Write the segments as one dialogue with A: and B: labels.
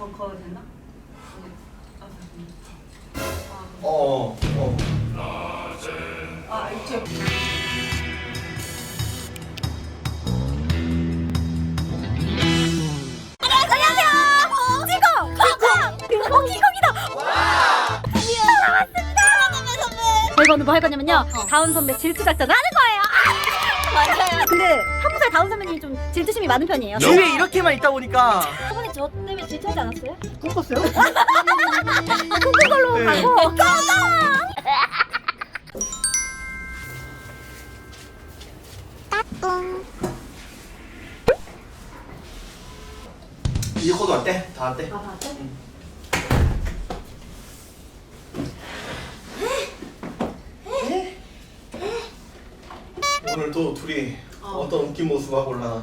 A: 거도 됐나? 이제
B: 저희가 오늘 뭐 할 거냐면요. 다운 선배 질투 작전을 하는 거예요. 맞아요. 근데 1살 다운 선배님이 좀 질투심이 많은 편이에요.
C: 주위에 이렇게만 있다 보니까
B: 저번에 저 때문에 질투하지 않았어요?
C: 꿈꿨어요?
B: 꿈꾼 걸로
C: 네.
B: 가고.
C: 이 코드 왔대? 다 왔대?
B: 아, 맞아?
C: 오늘 또 둘이 어떤 웃긴 모습 하고 올라나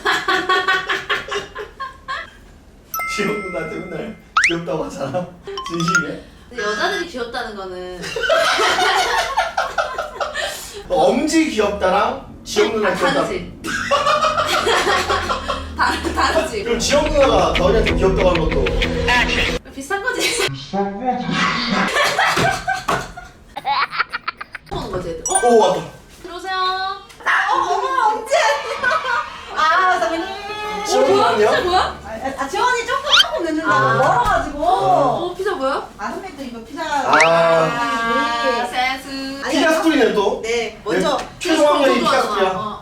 C: 지영 누나한테 맨날 귀엽다고 하잖아. 진심이야?
D: 근데 여자들이 귀엽다는 거는
C: 엄지 귀엽다랑 지영 누나 귀엽다.
D: 다르지. 다르지.
C: 그럼 지영 누나가 너희한테 귀엽다고 하는 것도
D: 비슷한 거지. 보는 거지. 애들.
C: 오 왔다.
D: 들어오세요.
A: 선배님.
C: 지영 누나는요?
D: 뭐야?
A: 지원이 조금 늦는다고
D: 아.
A: 멀어가지고.
D: 피자 뭐야?
A: 선배님 또 이거 피자.
D: 센스.
C: 피자 스토리네 또.
A: 네, 먼저.
C: 최종 학년이 피자
D: 좋아하잖아.
C: 스토리야.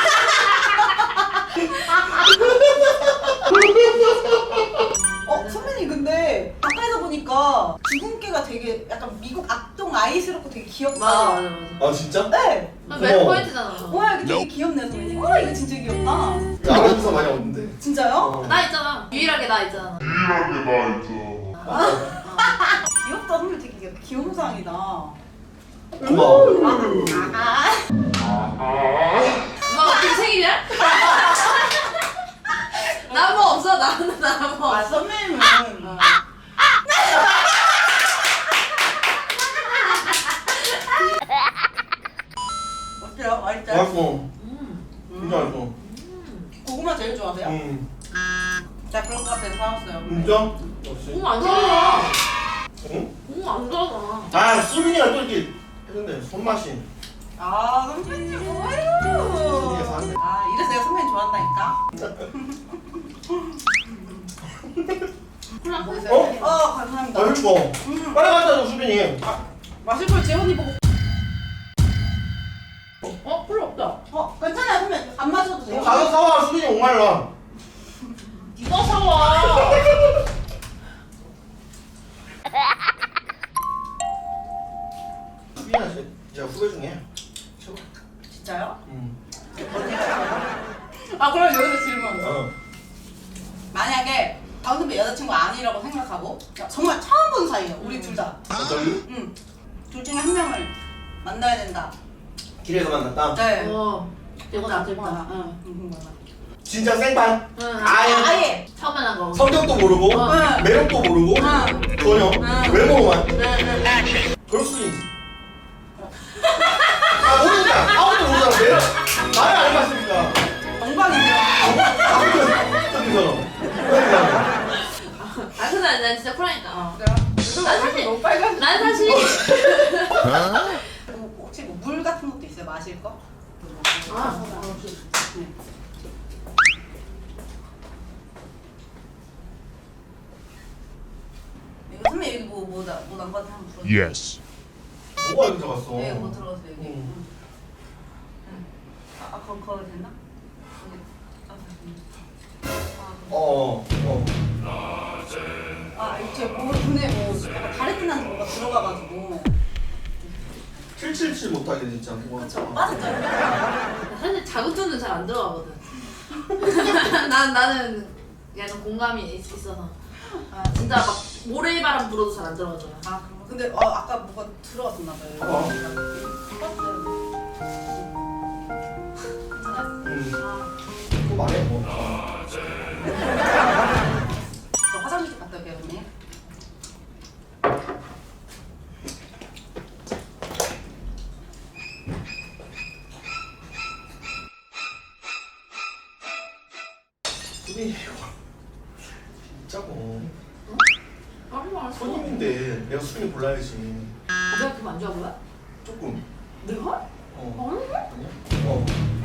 A: 선배님 근데 가까이서 보니까 주근깨가 되게 약간 미국 악동 아이스럽고 되게 귀엽다.
D: 맞아.
C: 아 진짜?
A: 네.
D: 매 포인트잖아.
A: 뭐야 이거 되게 귀엽네 선배님. 이거 진짜 귀엽다.
C: 아나운서 많이 없는데.
A: 진짜요?
D: 나 있잖아. 유일하게 나 있잖아.
A: 귀엽다 선배님 되게 귀염상이다.
C: 고마워.
D: 엄마 어떻게 생일이야? 나 뭐 없어. 나는 나 뭐.
A: 선배님은. 어때요? 맛있죠?
C: 맛있어. 진짜 맛있어.
A: 고구마 제일 좋아하세요? 자 그런 거 같아서 사왔어요.
C: 진짜? 역시.
D: 너무 안 좋아하잖아.
C: 응?
D: 너무 안 좋아하잖아.
C: 아 수빈이가 또 이렇게 했는데 손맛이.
A: 선배님.
C: 이게 사네.
A: 이래서 내가 선배님 좋아한다니까.
D: 콜라
A: 먹으세요. 감사합니다.
C: 맛있어. 빨리 갖다 줘 수빈이.
A: 마실 걸 재원이 보고.
D: 콜라 없다.
A: 괜찮아요 선배님. 안 마셔도 돼요.
C: 가서 사와 수빈이 목말라.
D: 네가 사와.
C: 수빈이가 제가 후배 중에 최고.
A: 진짜요?
C: 응.
A: 그럼 여기서 질문.
C: 어.
A: 만약에 다운 선배 여자친구 아니라고 생각하고 정말 처음 본 사이예요. 우리 둘 다.
C: 갑자기?
A: 응. 둘 중에 한 명을 만나야 된다.
C: 길에서 만났다.
A: 네.
D: 이거 나 재밌다.
A: 궁금하다.
C: 진짜 생판.
D: 응.
A: 아예.
D: 처음 만난 거.
C: 성격도 모르고
A: 응.
C: 매력도 모르고
A: 응.
C: 전혀
A: 응.
C: 외모만.
D: 네.
C: 그럴 수도 있지. 모르니까 아무도 모르잖아. 매력 말을 안 해봤으니까.
A: 영광이죠.
C: 어디서?
D: 근데 난 진짜 쿨하니까.
A: 난 사실 너무 빨간.
D: 난 사실
A: 혹시 물 같은 것도 있어요? 마실 거? 네. 이거 선배 여기 뭐 난거한테 한번 불러주세요.
E: Yes.
C: 뭐가 여기 들어갔어?
A: 네, 뭐 들어갔어요 여기.
C: 응.
A: 거기 됐나? 이제 뭐 눈에 약간 다래끼난 뭐가 들어가가지고.
C: 777 못하게 진짜.
A: 그쵸, 빠졌죠.
D: 사실 자극도는 잘 안 들어가거든. 나는 약간 공감이 있어서. 진짜 막 모래바람 불어도 잘 안 들어가잖아.
A: 근데 아까 뭐가 들어갔었나 봐요.
C: 봐봐.
A: 괜찮아요.
C: 또 말해 뭐.
A: 저 화장실 좀 갔다 올게요, 언니.
C: 수빈이 있자고.
D: 아무 알았어.
C: 손님인데 내가 수빈이 골라야지.
D: 내가 그거 안 좋아한 거야?
C: 조금.
D: 내가?
C: 어.
D: 아니야?
C: 아니야? 어.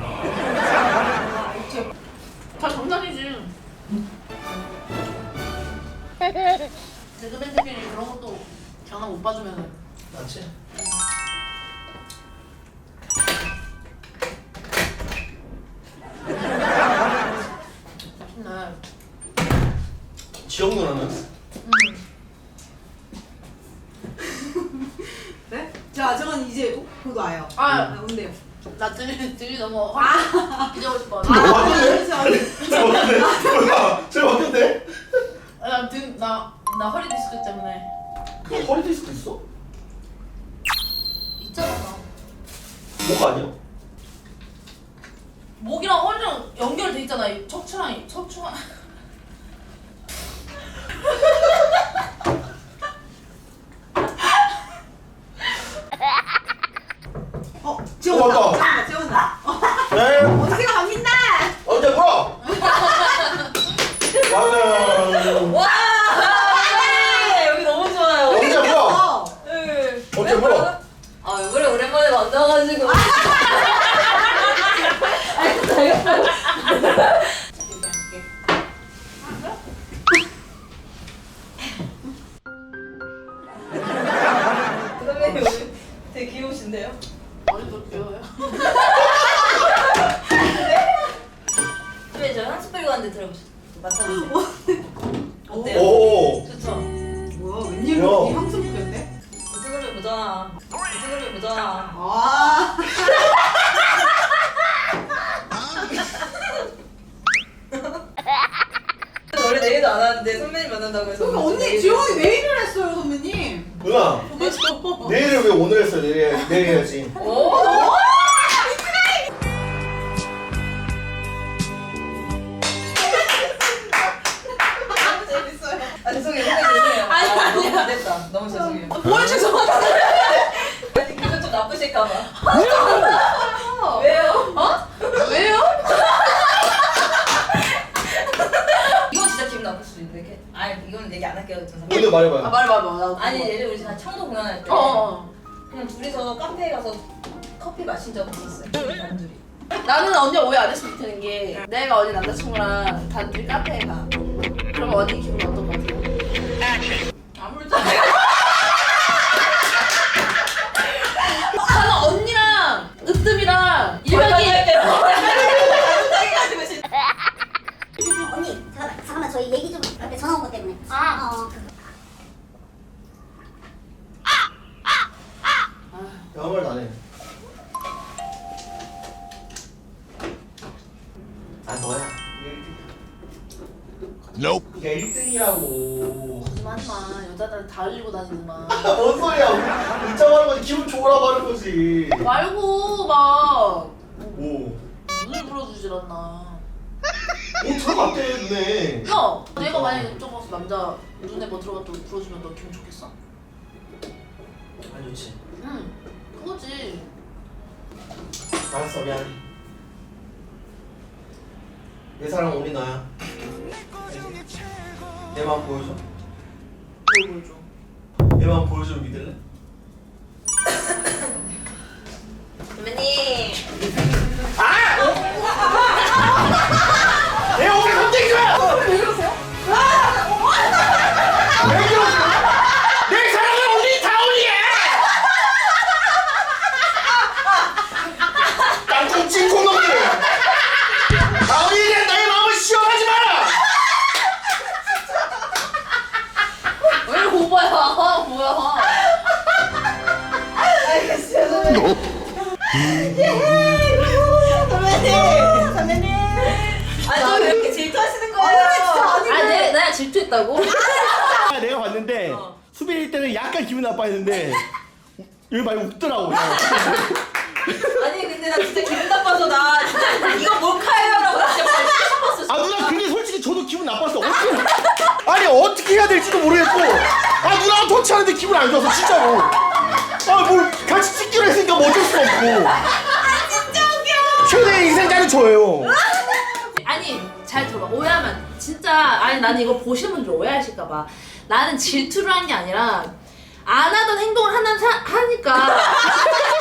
D: 다 장난이지. 개그맨들끼리 그런 것도 장난 못 봐주면은.
C: 맞지?
D: 맛있네.
C: 지영 누나는?
A: 네? 자, 저건 이제 곧 와요.
D: 아,
A: 온대요.
D: 나 들이 너무 기대고 싶어.
C: 너 바뀌었네? 저 바뀌었네? 저 바뀌었네?
D: 나 허리 디스크 때문에.
C: 너 허리 디스크 있어?
D: 있잖아.
C: 목 아니야?
D: 목이랑 허리랑 연결돼 있잖아. 이 척추랑.
A: 지원다. 지원다.
C: 네?
A: 어떻게 바뀐다?
C: 언제 물어? 맞아.
D: 와! 여기 너무 좋아요.
C: 언제 물어?
D: 네.
C: 언제 물어?
D: 아, 왜 그래? 오랜만에 만나가지고.
E: 선배님 오늘 되게 귀여우신데요?
D: 머리도 귀여워요.
E: 선배님 저 향수 뿌리고 왔는데 들어보세요. 맡아보세요. 어때요?
C: 오.
E: 좋죠?
A: 뭐야, 웬일로
C: 야.
A: 이 향수 뿌렸대?
E: 무슨 소리 보잖아. 무슨 소리 보잖아.
A: 아.
E: 원래 내일도 안 하는데 선배님 만난다고 해서.
A: 그러니까 언니 지원이 내일을 했어요, 선배님.
C: 누나, 내일을 왜 오늘 했어? 내일 해야지.
E: 오!
A: 너무 재밌어요.
E: 아 죄송해요. 죄송해요.
D: 아니,
E: 너무 잘됐다. 너무 죄송해요.
D: 뭘 죄송하다.
E: 아니 기분 좀 나쁘실까봐. 왜요?
D: 어? 왜요?
E: 이건 진짜 기분 나쁠 수도 있는데. 아니 이거는 얘기 안 할게요.
C: 오늘 말해봐요.
D: 말해봐.
E: 아니 예전에 우리 다 청도 공연할 때 그냥 둘이서 카페에 가서 커피 마신 적이 있었어요. 단둘이.
D: 나는 언니 오해 안 했으면 좋겠는 게 내가 언니 남자친구랑 단둘이 카페에 가. 그러면 언니 기분 어떨 것 같아요? 아무렇지 않아. 나는 언니랑 으뜸이랑 일박이
B: 언니 잠깐만 저희 얘기 좀 이렇게 전화 온 것 때문에.
C: 아무 말도 안 해. 아 너야.
F: Nope.
C: 이게 1등이라고.
D: 거짓말하지 마. 여자들 다 흘리고 다니지만.
C: 뭔 소리야? 인정하는 거지. 기분 좋으라고 하는 거지.
D: 말고 막
C: 오.
D: 눈을 불어주질 않나.
C: 오 들어갔대 눈에.
D: 야, 내가 만약에 이쪽 가서 남자 눈에 뭐 들어갔다고 불어주면 너 기분 좋겠어?
C: 안 좋지.
D: 응, 그거지.
C: 알았어 미안. 내 사랑 우리 너야. 내 마음 보여줘.
D: 뭘 보여줘?
C: 내 마음 보여줘 믿을래?
E: 선배님.
C: 내 오늘 손대기 줘요! 왜 그러세요? 왜 그러세요? 내 사랑은 우리 다운이야! 땅콩 찐콩 놈들! 다운이에 대한 나의 마음을 시험하지 마라!
D: 왜 오바야? 뭐야?
E: 알겠어요 선배님. 선배님. 아니 왜 이렇게 질투하시는 거예요?
D: 아, 내가 질투했다고?
C: 내가 봤는데 수빈이 때는 약간 기분 나빠했는데 여기 많이 웃더라고.
E: 아니 근데 나 진짜 기분 나빠서 나 진짜 이거 몰카예요라고 진짜 말하고 싶었어.
C: 아 누나 근데 솔직히 저도 기분 나빴어. 어떻게 아니 어떻게 해야 될지도 모르겠고 아 누나가 터치하는데 기분 안 좋아서 진짜로. 아 뭘 같이 찍기로 했으니까 뭐 어쩔 수 없고.
E: 진짜 웃겨.
C: 최대의 인생자는 저예요.
D: 아니, 잘 들어봐. 오해하면 진짜 아니 나는 이거 보시는 분들 오해하실까봐 나는 질투를 한 게 아니라 안 하던 행동을 하니까